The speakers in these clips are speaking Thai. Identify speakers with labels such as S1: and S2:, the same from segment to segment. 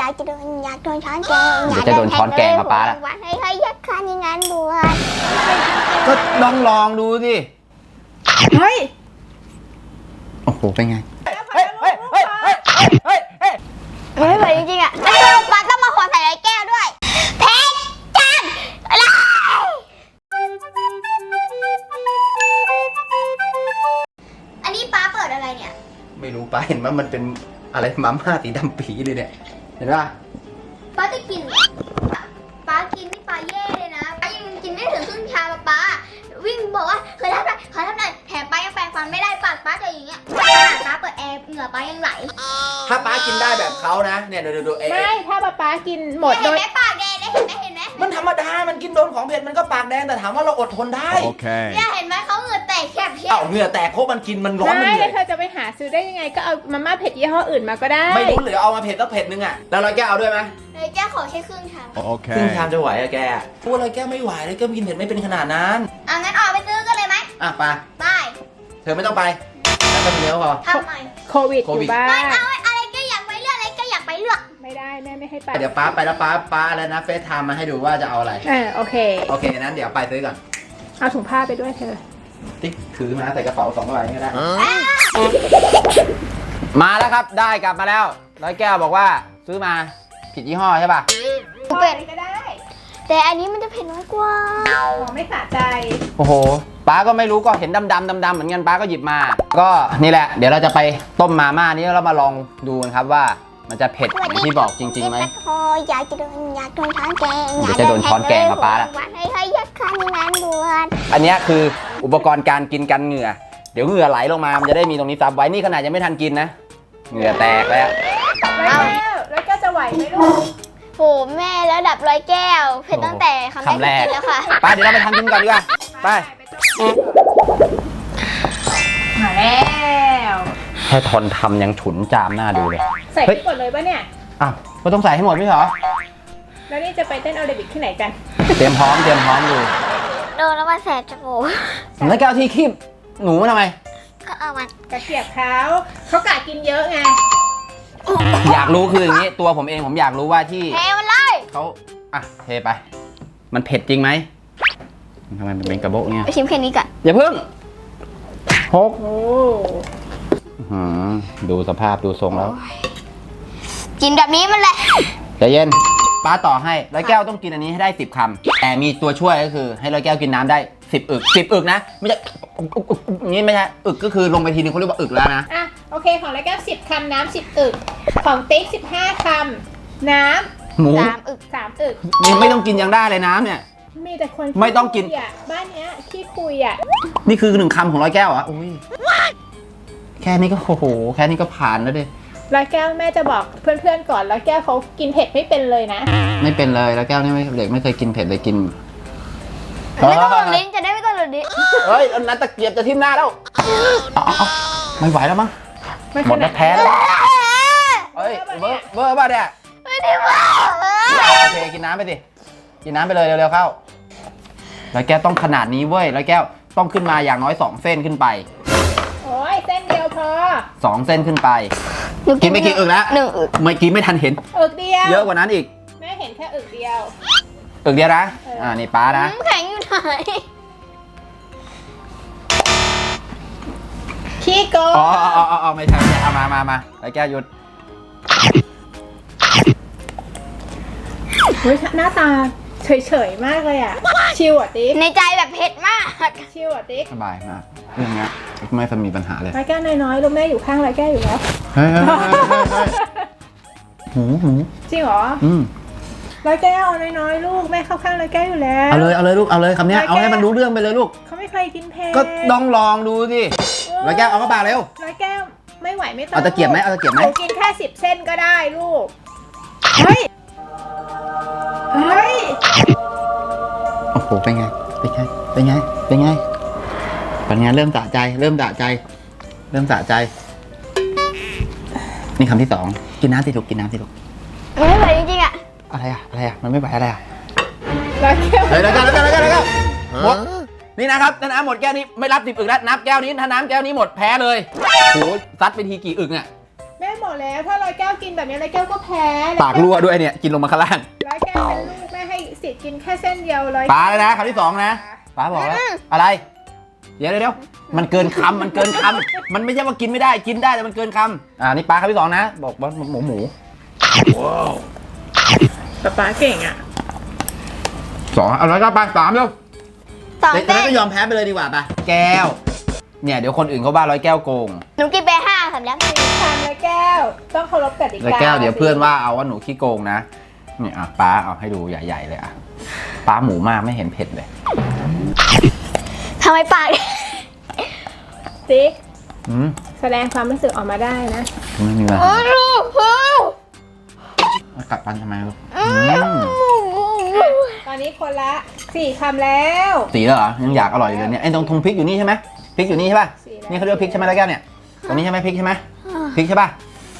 S1: อยากโดนช้อนแกง
S2: เดี๋ยวจะโดนช้อนแกงมาป้าละ
S1: เฮ้ยยักษ์คันยังงานบวช
S2: ก็ลองดูสิ
S3: เฮ้ย
S2: โอ้โหเป็นไง
S1: ไม่ไหวจริงๆอ่ะแล้วป้าต้องมาขอใส่ไรแก้วด้วยเพชรจันอะไรอันนี้ป้าเปิดอะไรเนี่ย
S2: ไม่รู้ป้าเห็นว่ามันเป็นอะไรมาม่าสีดำปีเลยเนี่ยเห็นป่ะ
S1: ป้าจะกินป้ากินนี่ป้าแย่เลยนะป้ายังกินไม่ถึงครึ่งชามป้าวิ่งบอกว่าเคยทำหน่อยแถมป้ายังแปรงฟันไม่ได้ปากป้าจะอย่างเงี้ยขนาดป้าเปิดแอร์เหงื่อป้ายังไหล
S2: ถ้าป้ากินได้แบบเขานะเนี่ยดู
S3: ไม่ถ้าป้ากินหมด
S1: เห็นไหมปากแดงเห็นไหม
S2: มันธรรมดามันกินโดนของเผ็ดมันก็ปากแดงแต่ถามว่าเราอดทนได้
S4: โอเค
S1: เนี่ยเห็นไหมเขาเหงื่อแตกแคบเพี้ย
S2: เหงื่อแตกเพราะมันกินมันร้อนมันเหนื่อย
S3: เธอจะไปหาซื้อได้ยังไงก็เอามาม่าเผ็ดยี่ห้ออื่นมาก็ได้
S2: ไม่รู้หรือเอามาเผ็ดสักเผ็ดนึงอ่ะแล้วเราแกเอาด้วยไหม
S1: เลยแก้ขอแค่ครึ่งชาม
S4: โอเค
S2: ครึ่งชามจะไหวอะแกพูดอะไรแกไม่ไหวเลยแกกินเผ็ดไม่เป็นขนาดนั้น
S1: งั้นออกไปซื้อกันเลยไหม
S2: ไปเธอไม่ต้องไปแล้วก็เนื้อพอ
S1: ทำไม
S3: โควิดอยู่บ้าน
S1: ไม่เอาอะไรก็อยากไปเลือกอะไรก็อยากไปเลือก
S3: ไม่ได้แม่ไม่ให้ไป
S2: เดี๋ยวป้าไปแล้วป้าอะไรนะเฟซไทม์มาให้ดูว่าจะเอาอะไร
S3: โอเค
S2: นั้นเดี๋ยวไปซื้อก่อน
S3: เอาถุงผ้าไปด้วยเธอ
S2: ติ๊กถือมาใส่กระเป๋า2 ใบก็ได้มาแล้วครับได้กลับมาแล้วร้อยแก้วบอกว่าซื้อมาผิดยี่ห้อใช่ป่ะ
S1: เป็ดก็ได้แต่อันนี้มันจะเผ็ดน้อยกว่า
S3: ไม่สะใจ
S2: โอ้โหป้าก็ไม่รู้ก็เห็นดำเหมือนกันป้าก็หยิบมาก็นี่แหละเดี๋ยวเราจะไปต้มมาม่านี้แล้วมาลองดูกันครับว่ามันจะเผ็ดอย่างที่บอกจริงๆไหม
S1: อยากโดนช้อนแกง
S2: เดี๋ยวจะโดนช้อนแกงมาป้าละ
S1: เฮ้ยยักษ์คันยังงานบวช
S2: อันนี้คืออุปกรณ์การกินกันเหงื่อเดี๋ยวเหงื่อไหลลงมามันจะได้มีตรงนี้ซับไว้นี่ขนาดยังไม่ทันกินนะเหงื่อแตกแล้ว
S3: แล้วก็จะไหวไหมลูก
S1: โหแม่แล้วดับร้อยแก้วเผ็ดตั้งแต่คำแรกแล้วค่ะ
S2: ป้าเดี๋ยวเราไปทำกินก่อนดีกว่าไป
S3: มาแล้ว
S2: แค่ทนทำยังฉุนจามหน้าดูเลย
S3: ใส่ให้หมดเลยป่ะเนี่ย
S2: ก็ต้องใส่ให้หมดไม่เหรอ
S3: แล้วนี่จะไปเต้นแอโรบิกที่ไหนกัน
S2: เตรียมพร้อมดู
S1: โดนแล้วมาแสบจมูก
S2: แล้วแกเอาที่คีบหนูมาทำไม
S1: ก็เอามัน
S3: กระเทียบเขากะกินเยอะไง
S2: อยากรู้คืออย่างนี้ตัวผมเองผมอยากรู้ว่าที่
S1: เทมันเลย
S2: เขาเทไปมันเผ็ดจริงไหมทำไมมันเป็นกระโบกเนี่ย
S1: ไปชิมแค่นี้ก่อน
S2: อย่าเพิ่ง
S3: โอ้
S2: ดูสภาพดูทรงแล้ว
S1: กินแบบนี้มันแหละ
S2: ใจเย็นป้าต่อให้ร้อยแก้วต้องกินอันนี้ให้ได้10 คำแต่มีตัวช่วยก็คือให้ร้อยแก้วกินน้ำได้10 อึก10 อึกนะไม่ใช่อย่างนี้ไม่ใช่อึกก็คือลงไปทีนึงเขาเรียกว่าอึกแล้วนะ
S3: โอเคของร้อยแก้ว10 คำน้ำ10 อึกของติ๊ก15 คำน้ำ
S2: หมู
S1: 3 อึก
S2: ยังไม่ต้องกินยังได้เลยน้ำเนี่ย
S3: มีแต่คน
S2: ไม่ต้องกิน
S3: บ้านเนี้ยขี้คุย
S2: นี่คือ1 คำของร้อยแก้วอุ้ยแค่นี้ก็โอ้โหแค่นี้ก็ผ่านแล้วดิ
S3: ร้อยแก้วแม่จะบอกเพื่อนๆก่อนร้อยแก้วเขากินเผ็ดไม่เป็นเลยนะ
S2: ไม่เป็นเลยร้อยแก้วนี่เด็กไม่เคยกินเผ็ดเลยกิน
S1: ไม่ต้องหลุดลิ้นจะได้ไม่ต้องหลุดลิ้น
S2: เฮ้ยนัดตะเกียบจะทิ่มหน้าแล้วไม่ไหวแล้วมั้งหมดแล้วแพ้แล้วเฮ้ยเบอร์ป่ะเนี่ย
S1: ไม่ได้เบอร์
S2: โอเคกินน้ำไปสิกินน้ำไปเลยเร็วๆเข้าร้อยแก้วต้องขนาดนี้เว้ยร้อยแก้วต้องขึ้นมาอย่างน้อย2 เส้นขึ้นไป
S3: โอ้ยเส้นเดียวพอ
S2: 2 เส้นขึ้นไปกินไม่กี่อึกแล้ว
S1: 1 อึก
S2: ไม่กินไม่ทันเห็น
S3: อึกเดียว
S2: เยอะกว่านั้นอีก
S3: แม่เห็นแค่อึกเดียว
S2: นะนี่ป้านะ
S1: แข็งอยู่ไหน
S3: ขี้โกง
S2: ไม่ใช่เอามาไอ้แก้วหยุด
S3: หน้าตาเฉยๆมากเลยชิวติ๊ก
S1: ในใจแบบเผ็ดมาก
S3: ชิวติ๊ก
S2: สบายมากเรื่องนี้ไม่มีปัญหาเลย
S3: ร้อยแก้วน้อยๆลูกแม่อยู่ข้างร้อยแก้วอยู่แล้ว
S2: หู
S3: จริงเหรอร้อยแก้วน้อยๆลูกแม่เข้าข้างร้อยแก้วอยู่แล้ว
S2: เอาเลยลูกเอาเลยคำนี้เอาให้มันรู้เรื่องไปเลยลูก
S3: เขาไม่เคยกินเผ็ด
S2: ก็ต้องลองดูสิร้อยแก้วเอาเข้าปากเร็ว
S3: ร้อยแก้วไม่ไหวไม่ต้อง
S2: เอาตะเกียบไหม
S3: กินแค่10 เส้นก็ได้ลูกเฮ้ย
S2: โอ้โหเป็นไงเริ่มสะใจนี่คำที่2กินน้ำสิลูก
S1: ไม่ไหวจริงๆ
S2: อะไรมันไม่ไหวอะไร
S3: ร้อยแก้ว
S2: หมดนี่นะครับถ้าน้ำหมดแก้วนี้ไม่รับ10 อึกแล้วนับแก้วนี้ถ้าน้ำแก้วนี้หมดแพ้เลยโอ้โหซัดไปทีกี่อึกเนี่ย
S3: แม่หมบอกแล้วถ้าร้อยแก้วกินแบบนี้ร้อยแก้วก็แพ้
S2: ปากรั่วด้วยเนี่ยกินลงมาข้างล่าง
S3: ร้อยแก้วเป็นลูกแม่ให้สิทธิ์กินแค่เส้นเดียวร้อย
S2: ปลาเลยนะคำที่สองนะปลาบอกแล้วอะไรเดี๋ยวมันเกินคำมันเกินคำมันไม่ใช่ว่ากินไม่ได้กินได้แต่มันเกินคำนี่ปลาคำที่สองนะบอกว่าหมู
S3: ป๊าเก่งอ่ะ
S2: สองเอาแล้วก็ปลาสามเร็ว
S1: สอง
S2: เด็ก
S1: เส้น
S2: ก็ยอมแพ้ไปเลยดีกว่าปะแก้วเนี่ยเดี๋ยวคนอื่นเขาว่าร้อยแก้วโกง
S1: หนูกินไป5คำแล้ว
S3: ทานร้อยแก้วต้องเคารพกติ
S2: ร้อย
S3: กา
S2: แก้วเดี๋ยวเพื่อนว่าเอาว่าหนูขี้โกงนะนี่ปลาเอาให้ดูใหญ่ๆเลยปลาหมูมากไม่เห็นเผ็ดเลย
S1: ทำไมปาก
S3: ติ๊ก
S2: อืม
S3: แสดงความรู้สึกออกมาได้นะ
S2: ไม่มีอะไร
S1: โอ้โห
S2: กัดฟันทำไมลูก
S3: ตอนนี้คนละ4คำแล้ว
S2: สีแล้วเหรอยังอยากอร่อยอยู่เลยเนี่ยไอ้ตรงพริกอยู่นี่ใช่ไหมพริกอยู่นี่ใช่ป่ะ
S3: สีแล้ว
S2: นี่เขาเรียกว่าพริกใช่ไหมร้อยแก้วเนี่ยตรงนี้ใช่ไหมพริกใช่ไหมพริกใช่ป่ะ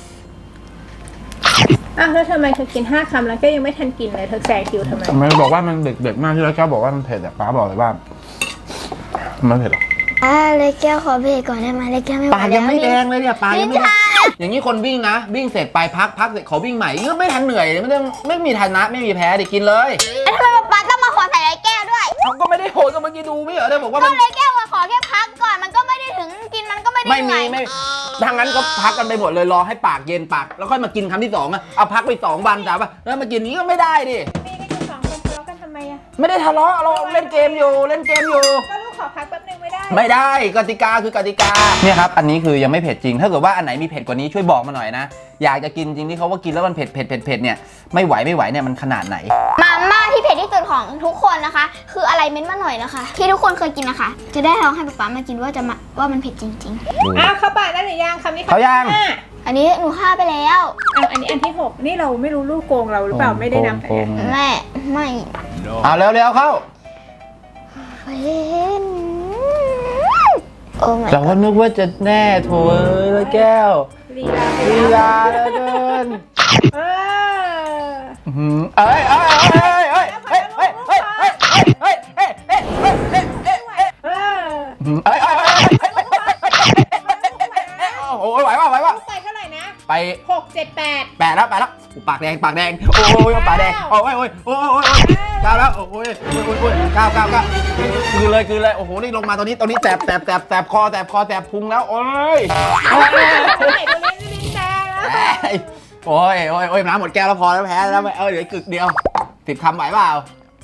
S3: อ้าวแล้วทำไมเธอกิน5คำแล้วก็ยังไม่ทันกินเลยเธอแซงคิวทำไม
S2: ทำไมบอกว่ามันเด็กๆมากที่ร้อยแก้วบอกว่ามันเผ็ดอะป้าบอกเลยว่ามันเผ็ดหรอ
S1: เลยแก้วขอเบรกก่อนได้ไหมเลยแก้วไม่ไหว
S2: ปากยังไม่แดงเลยเนี่ยปากยังไม่แด
S1: ลิ้น
S2: ง
S1: ชา
S2: อย่างนี้คนวิ่งนะวิ่งเสร็จไปพักเสร็จขอวิ่งใหม่ก็ไม่ทันเหนื่อยไม่มีทันนะไม่มีแพ้ดิกินเลย
S1: แล้วทำไมป๊าต้องมาขอใส่เลยแก้วด้วย
S2: เขาก็ไม่ได้โหดก็เมื่อกี้ดูไม่เหรอเธอบอกว่า
S1: ก็
S2: มัน
S1: เลยแก้วขอแค่พักก่อนมันก็ไม่ได้ถึงกินมันก็ไม่ได้
S2: ไม่
S1: เห
S2: มี
S1: นื่อย
S2: ไม่ทางนั้นก็พักกันไปหมดเลยรอให้ปากเย็นปากแล้วค่อยมากินคำที่สองอะเอาพักไป2 วันจ้าป่ะแล้วมากินนี้ก็ไม่ได้ดิ
S3: มีกันอยู่2คนทะเลาะกันทำไมอะ
S2: ไม่ได้ทะเลาะเราเล่นเกมอยู่
S3: ก็ลูกขอพักแป๊บนึงไม่ได้
S2: ไม่ได้กติกาคือกติกาเนี่ยครับอันนี้คือยังไม่เผ็ดจริง ถ้าเกิดว่าอันไหนมีเผ็ดกว่านี้ช่วยบอกมาหน่อยนะอยากจะกินจริงที่เขาว่ากินแล้วมันเผ็ดเนี่ยไม่ไหวเนี่ยมันขนาดไหน
S1: มาม่าที่เผ็ดที่สุดของทุกคนนะคะ คืออะไรเม้นมาหน่อยนะคะ ที่ทุกคนเคยกินนะคะ จะได้ลองให้ป๊ามากินว่ามันเผ็ดจริง
S3: อ้าวเข้าปากได้หรือยังคำนี้
S2: เขายัง
S3: ห้
S1: ๆ อันนี้หนูฆ่าไปแล้ว
S3: อ้าวอันนี้อันที่ 6 นี่เราไม่รู้ลูกโกงเราหรือเปล่าไม่ได้นำ
S2: โกง
S1: แม่ไม่
S2: เอาเร็วเข้า
S1: เห็นโอ้ my
S2: เราก็นึกว่าจะแน่โถเอ้ยแล้วแก้ว
S3: ลีลาไป
S2: ลี
S3: แล้ว
S2: ลาแล้วเกิน
S3: เออ
S2: เอ้ยเโอ้ยไหวป่ะ
S3: ลูกไปเท่าไหร่นะ
S2: ไป
S3: 6 7 8
S2: แปดแล้วปากแดงโอ้ยปากแดงโอ้ยก้าวแล้วโอ้ยก้าวคืนเลยโอ้โหนี่ลงมาตอนนี้แสบคอแสบพุงแล้วโอ้ย
S3: ไหนตัวเล่นลิ้นแดงแล้ว
S2: โอ้ยน้ำหมดแก้วแล้วพอแล้วแพ้แล้วเดี๋ยวกึกเดียว10 คำไหวเปล่า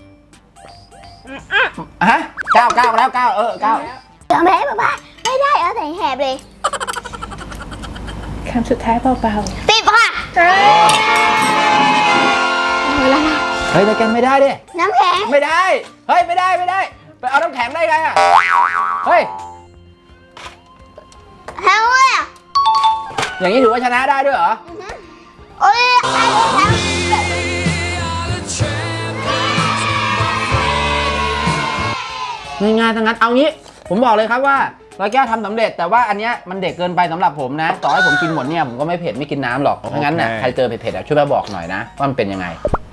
S2: ฮะ9แล้ว9
S1: เดี๋ยวแม่ป๊าไม่ได้เอาใส่แหบเลย
S3: คำสุดท้ายเบา
S1: 10 ค่ะ
S3: ๆเอ้ย
S2: เฮ้ยแต่แกไม่ได้ดิ
S1: น้ำแข็ง
S2: ไม่ได้เฮ้ยไม่ได้ไปเอาน้ำแข็งได้ไงอ่ะเฮ้ย
S1: แห้งเลยอ่ะ
S2: อย่างนี้ถือว่าชนะได้ด้วยเหรอ
S1: โอ้ย
S2: ง่ายๆทั้งนั้นเอางี้ผมบอกเลยครับว่าร้อยแก้วทำสำเร็จแต่ว่าอันเนี้ยมันเด็กเกินไปสำหรับผมนะต่อให้ผมกินหมดเนี่ยผมก็ไม่เผ็ดไม่กินน้ำหรอกเพราะงั้นน่ะใครเจอเผ็ดๆช่วยมาบอกหน่อยนะว่ามันเป็นยังไง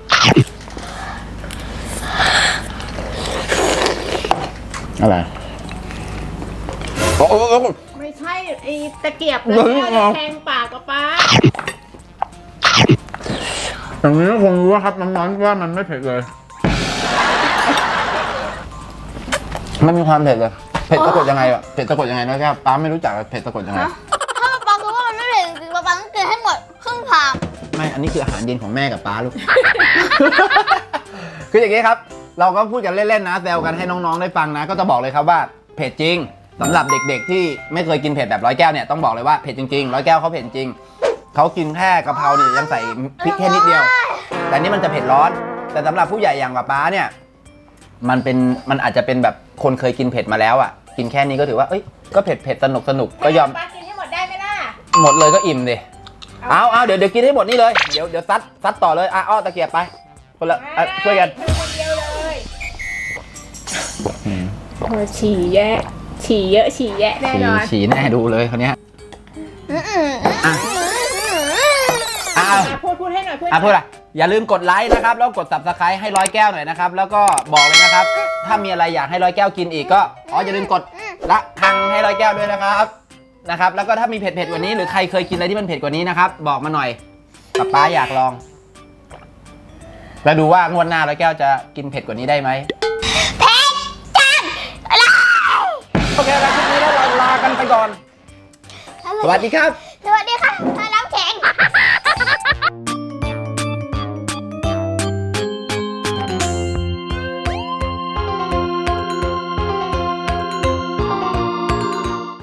S2: อะไรโอ้
S3: ไม่ใช่ไอ้ตะเกียบแล้วแทงปากกับป้า
S2: อย่างนี้คงรู้ครับน้องๆว่ามันไม่เผ็ดเลยไม่มีความเผ็ดเลยเผ็ดสะกดยังไงอะเผ็ดสะกดยังไงนะครับป้าไม่รู้จักเผ็ดสะกดยังไง
S1: ถ้าป๊ารู้ว่ามันไม่เผ็ดจริงๆป๊าต้องกินให้หมดครึ่งชาม
S2: ไม่อันนี้คืออาหารเย็นของแม่กับป้าลูก คืออย่างนี้ครับเราก็พูดกันเล่นๆนะแซวกันให้น้องๆได้ฟังนะก็จะบอกเลยครับว่าเผ็ดจริงสำหรับเด็กๆที่ไม่เคยกินเผ็ดแบบร้อยแก้วเนี่ยต้องบอกเลยว่าเผ็ดจริงๆร้อยแก้วเขาเผ็ดจริงเขากินแค่กะเพราเนี่ยยังใส่พริกแค่นิดเดียวแต่นี่มันจะเผ็ดร้อนแต่สำหรับผู้ใหญ่อย่างป้าเนี่ยมันอาจจะเป็นแบบคนเคยกินเผ็ดมาแล้วอ่ะกินแค่นี้ก็ถือว่าเอ้ยก็เผ็ดสนุกก็ยอม
S3: ป้ากินให้หมดได้ไหมล่ะ
S2: หมดเลยก็อิ่มดิเอาเดี๋ยวกินให้หมดนี่เลยเดี๋ยวซัดต่อเลยอ้อตะเกียบไปคนละช่วยกัน
S3: คนเดียวเลยโอ้ฉี่แยะฉี่เยอะฉี่แยะแน่นอน
S2: ฉี่แน่ดูเลยคนเนี้ย
S3: พูดให้หน่อยพูด
S2: พูดอะไรอย่าลืมกดไลค์นะครับแล้วกด Subscribe ให้ร้อยแก้วหน่อยนะครับแล้วก็บอกเลยนะครับถ้ามีอะไรอยากให้ร้อยแก้วกินอีกก็อย่าลืมกดละคังให้ร้อยแก้วด้วยนะครับนะครับแล้วก็ถ้ามีเผ็ดๆกว่านี้หรือใครเคยกินอะไรที่มันเผ็ดกว่านี้นะครับบอกมาหน่อยป๊าอยากลองแล้วดูว่างวดหน้าร้อยแก้วจะกินเผ็ดกว่านี้ได้ไหม
S1: เผ็ดจังอะไร
S2: โอเคแล้วคลิปนี้แล้วเราลากันไปก่อน สวัสดีครับ
S1: สวัสดีค่ะ